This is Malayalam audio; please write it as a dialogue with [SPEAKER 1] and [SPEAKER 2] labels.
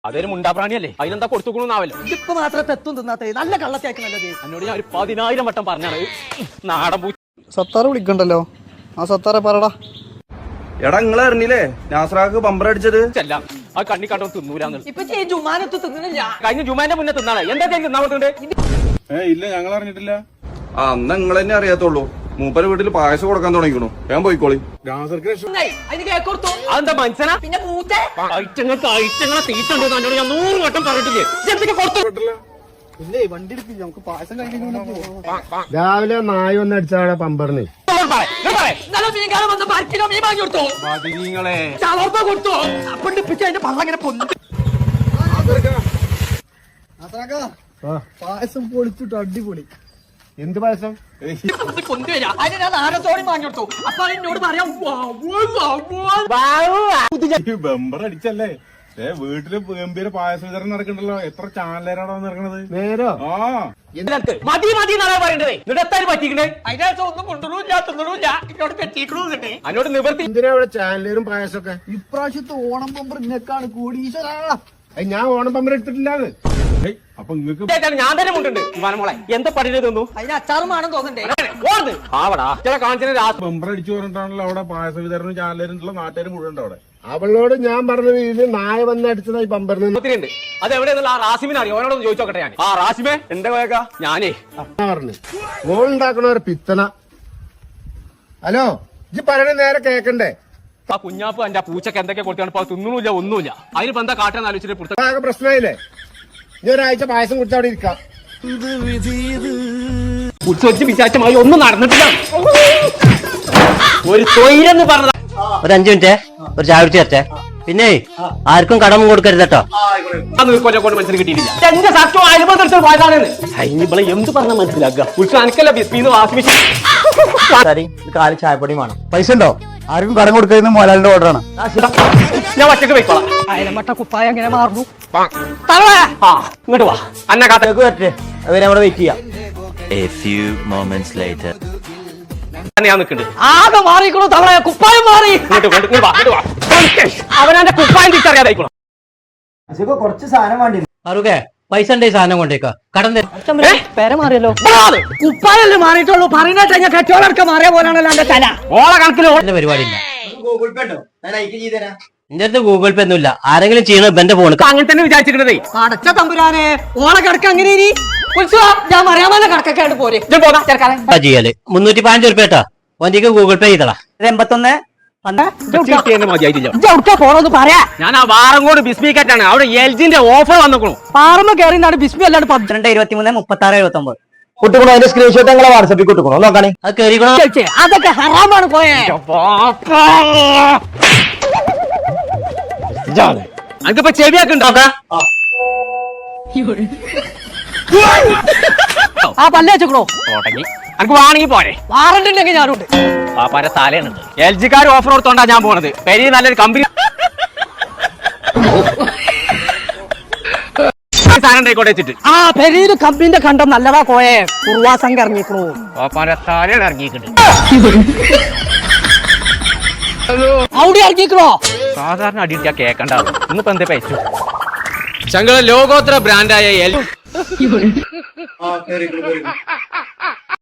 [SPEAKER 1] അതൊരു മുണ്ടാപ്രാണിയല്ലേ, അതിനെന്താ കൊടുത്തുകൊള്ളൂന്നാവല്ലോ.
[SPEAKER 2] ഇപ്പൊ മാത്രം തെത്തും തിന്നാത്തേ, നല്ല കള്ളത്തേക്ക് നല്ലത്.
[SPEAKER 1] എന്നോട് ഞാൻ ഒരു 10,000 വട്ടം പറഞ്ഞാണ് നാടൻ പൂ.
[SPEAKER 3] സത്താറ് വിളിക്കണ്ടല്ലോ. ആ സത്താറെ പറടാ.
[SPEAKER 4] എടാ നിങ്ങളെ അറിഞ്ഞില്ലേ നാസറാക്ക് ബമ്പർ അടിച്ചത്?
[SPEAKER 1] ചെല്ലാം ആ കണ്ണി കണ്ടോ തിന്നൂലാന്ന്.
[SPEAKER 2] ഇപ്പൊ ജുമാനത്ത് തിന്നില്ല.
[SPEAKER 1] കഴിഞ്ഞ ജുമാന്റെ മുന്നേ തിന്നാളെ എന്താ തിന്നാവുന്നുണ്ട്?
[SPEAKER 5] ഇല്ല ഞങ്ങൾ അറിഞ്ഞിട്ടില്ല.
[SPEAKER 4] ആ അന്ന് നിങ്ങൾ തന്നെ അറിയാത്തുള്ളൂ. മൂപ്പര് വീട്ടിൽ പായസം കൊടുക്കാൻ തുടങ്ങിക്കണു. ഞാൻ പോയിക്കോളി.
[SPEAKER 1] അതെന്താ മനസ്സിലാ?
[SPEAKER 2] പിന്നെ മൂത്തേ
[SPEAKER 1] ഐറ്റങ്ങളെ തീറ്റുണ്ട് എന്നോട് ഞാൻ 100 വട്ടം പറഞ്ഞിട്ടില്ലേ. എന്തൊക്കെ കൊടുത്തു?
[SPEAKER 3] ഇല്ലേ വണ്ടി എടുക്കില്ല, നമുക്ക് പായസം കഴിക്കാൻ.
[SPEAKER 5] രാവിലെ നായ വന്ന് അടിച്ചാടെ പമ്പറിന്.
[SPEAKER 3] പായസം പൊളിച്ചിട്ട് അടിപൊളി.
[SPEAKER 5] എന്ത് പായസം?
[SPEAKER 2] ആരത്തോടെ വാങ്ങിയെടുത്തു. അപ്പൊ എന്നോട് പറയാം
[SPEAKER 5] ബമ്പർ അടിച്ചല്ലേ? വീട്ടില് ഗംഭീര പായസ വിതരണം നടക്കണ്ടല്ലോ. എത്ര ചാനലേരാണോ നടക്കണത്?
[SPEAKER 3] നേരോ?
[SPEAKER 5] ആ
[SPEAKER 1] മതി മതി എന്നാ പറയണ്ടേ. എന്നിട്ട് എത്താൻ പറ്റിക്കണേ?
[SPEAKER 2] അതിനകത്ത് ഒന്നും കൊണ്ടുവരില്ല തിന്നില്ല. എന്നോട് കെട്ടിക്കണു.
[SPEAKER 1] എന്നോട് നിവർത്തി.
[SPEAKER 5] എന്തിനാ ഇവിടെ ചാനലേരും പായസമൊക്കെ?
[SPEAKER 3] ഇപ്രാവശ്യത്തെ ഓണം പമ്പർ ഇന്നേക്കാണ് കൂടീശ്വരാ.
[SPEAKER 5] ഞാൻ ഓണം പമ്പർ എടുത്തിട്ടില്ലാന്ന്. അപ്പൊ നിങ്ങക്ക്
[SPEAKER 1] ഞാൻ തന്നെ മുണ്ടുണ്ട്. മോളെ എന്താ പറയുന്നത് തോന്നു?
[SPEAKER 2] അതിന് അച്ചാറും വേണം തോന്നണ്ടേ.
[SPEAKER 1] ആവടാ ചില കാണിച്ച
[SPEAKER 5] ബമ്പർ അടിച്ചു പറഞ്ഞിട്ടാണല്ലോ അവിടെ പായസ വിതരണം ചാനലേരുള്ള നാട്ടുകാർ മുഴുവൻ അവിടെ. അവളോട് ഞാൻ പറഞ്ഞത് ഇത് നായ വന്ന് അടിച്ചതായി പമ്പറിന്.
[SPEAKER 1] ഉണ്ട് അത് എവിടെയെന്നുള്ള ആ റാസിമിനെ അറിയോ? അവനോടൊന്ന് ചോദിച്ചോക്കട്ടെ ഞാൻ. ആ റാസിമേ എന്താ പോയേക്കാ? ഞാനേ
[SPEAKER 5] പറഞ്ഞു മോളുണ്ടാക്കണ ഒരു പിത്തന. ഹലോ ഇജ്ജ് പറയണ നേരെ കേക്കണ്ടേ?
[SPEAKER 1] ആ കുഞ്ഞാപ്പ് എന്റെ പൂച്ചക്ക് എന്തൊക്കെ കൊടുത്താണ്. ഇപ്പൊ തിന്നൂല്ല ഒന്നുമില്ല. അതിന് എന്താ കാട്ടാന്ന് ആലോചിച്ചിട്ട്
[SPEAKER 5] ആകെ പ്രശ്നമായില്ലേ? ഇനി ഒരാഴ്ച പായസം കുടിച്ച് അവിടെ ഇരിക്കാം.
[SPEAKER 1] കുറിച്ച് വിചാരിച്ചമായി ഒന്നും നടന്നിട്ടില്ല. ഒരു തൊഴിലെന്ന് പറഞ്ഞത്.
[SPEAKER 6] ഒരു 5 മിനിറ്റ് ഒരു ചായ കുടിച്ച് തരട്ടെ. പിന്നെ ആർക്കും കടം കൊടുക്കരുത് കേട്ടോ.
[SPEAKER 1] കൊണ്ട് മനസ്സിൽ കിട്ടിയിട്ടില്ല. എന്റെ സത്യം അനുബന്ധ പോയതാണെന്ന് ഇവിടെ എന്ത് പറഞ്ഞാൽ മനസ്സിലാക്കുക. കുറിച്ച് അനക്കല്ല ബിസ്മീന്ന് വാഷിംഗ് മെഷീൻ.
[SPEAKER 6] കാല് ചായപ്പൊടി വേണം.
[SPEAKER 3] പൈസ ഉണ്ടോ? ആർക്കും കടം കൊടുക്കുന്ന മോലാലിന്റെ ഓർഡറാണ്.
[SPEAKER 1] ഞാൻ ഒറ്റക്ക് പോയിക്കോളാം.
[SPEAKER 2] അയലമട്ട കുപ്പായ എങ്ങനെ മാറുന്നു?
[SPEAKER 1] ആ ഇങ്ങോട്ട് വാ. അന്ന കാത്തേക്ക്
[SPEAKER 6] വരട്ടെ, അവരെ അവിടെ വെയിറ്റ് ചെയ്യാം.
[SPEAKER 7] A few moments later.
[SPEAKER 1] ഞാൻ നിൽക്കുന്നുണ്ട്.
[SPEAKER 2] ആകെ മാറിക്കണു തവളെ. കുപ്പായം മാറി.
[SPEAKER 1] അവനെ കുപ്പായം തിരിച്ചറിയാതായിക്കോളാം.
[SPEAKER 6] കുറച്ച് സാധനം വേണ്ടി. അറുകെ പൈസ ഉണ്ടേ സാധനം കൊണ്ടേക്കാ. കടം
[SPEAKER 2] പേര മാറിയല്ലോ. കുപ്പായല്ലേ മാറിയിട്ടുള്ളൂ. പറയുന്നേട്ടാ ഞാൻ കെട്ടോളൊക്കെ മാറിയ പോലാണല്ലോ എന്റെ തല.
[SPEAKER 1] ഓളെ കണക്കിൽ
[SPEAKER 6] പരിപാടി ഇല്ല. എന്റെ അടുത്ത് ഗൂഗിൾ പേ ഒന്നുമില്ല. ആരെങ്കിലും ചെയ്യണ എന്റെ ഫോൺ
[SPEAKER 1] അങ്ങനെ തന്നെ വിചാരിച്ചിരുന്നതേ.
[SPEAKER 2] അടച്ച തമ്പുരാനെ ഓളെ കിടക്ക അങ്ങനെ ഇനി ഞാൻ അറിയാമല്ല കിടക്കൊക്കെ ആയിട്ട് പോരെ.
[SPEAKER 6] ചെയ്യല് 315 ഉറുപ്പ കേട്ടാ. വണ്ടിക്ക് ഗൂഗിൾ പേ ചെയ്തടാ.
[SPEAKER 2] 81
[SPEAKER 1] മതിയായിട്ടില്ല.
[SPEAKER 2] പോണോന്ന് പറയാ.
[SPEAKER 1] ഞാൻ ആ വാറങ്കോട് ബിസ്മിക്കാറ്റാണ്. അവിടെ എൽജിന്റെ ഓഫർ വന്നേക്കണു.
[SPEAKER 2] പാറമ്മ കയറിയാണ് ബിസ്മി അല്ലാണ്ട്
[SPEAKER 6] 12, 23, 36, 79
[SPEAKER 3] കുട്ടിക്കണോ? അതിന്റെ സ്ക്രീൻഷോട്ട് ഞങ്ങളെ വാട്സാപ്പിൽ കുട്ടിക്കണോ? നോക്കാണേ.
[SPEAKER 6] അത് കയറിക്കണോ?
[SPEAKER 2] അതൊക്കെ ഹറാമാണ് പോയേ.
[SPEAKER 1] എനിക്കിപ്പോ ചെവിയൊക്കെ ഉണ്ടോക്ക?
[SPEAKER 2] ആ പല്ലേച്ചോ
[SPEAKER 1] തുടങ്ങി. എനിക്ക് വാണെങ്കിൽ പോരെ.
[SPEAKER 2] വാറണ്ട് ഉണ്ടെങ്കിൽ ഞാനുണ്ട്.
[SPEAKER 1] പാപ്പാരെ തലയാണ്. എൽ ജിക്കാർ ഓഫർ കൊടുത്തോണ്ടാ ഞാൻ പോണത്. പെരി നല്ലൊരു കമ്പനി സാധനം ഉണ്ടായിക്കോട്ടെ വെച്ചിട്ട്.
[SPEAKER 2] ആ പെരിയൊരു കമ്പനിന്റെ കണ്ടം നല്ലതാ കോയെ. കുറുവാസം ഇറങ്ങിക്കണു.
[SPEAKER 1] പാപ്പാരെ തലയാണ് ഇറങ്ങിയിട്ടുണ്ട്.
[SPEAKER 2] അവിടെ ഇറങ്ങിക്കണോ?
[SPEAKER 1] സാധാരണ അടിയിട്ടാ കേക്കണ്ടാവും. ഇന്നിപ്പോ എന്താ പൈസ? ഞങ്ങളെ ലോകോത്തര ബ്രാൻഡായ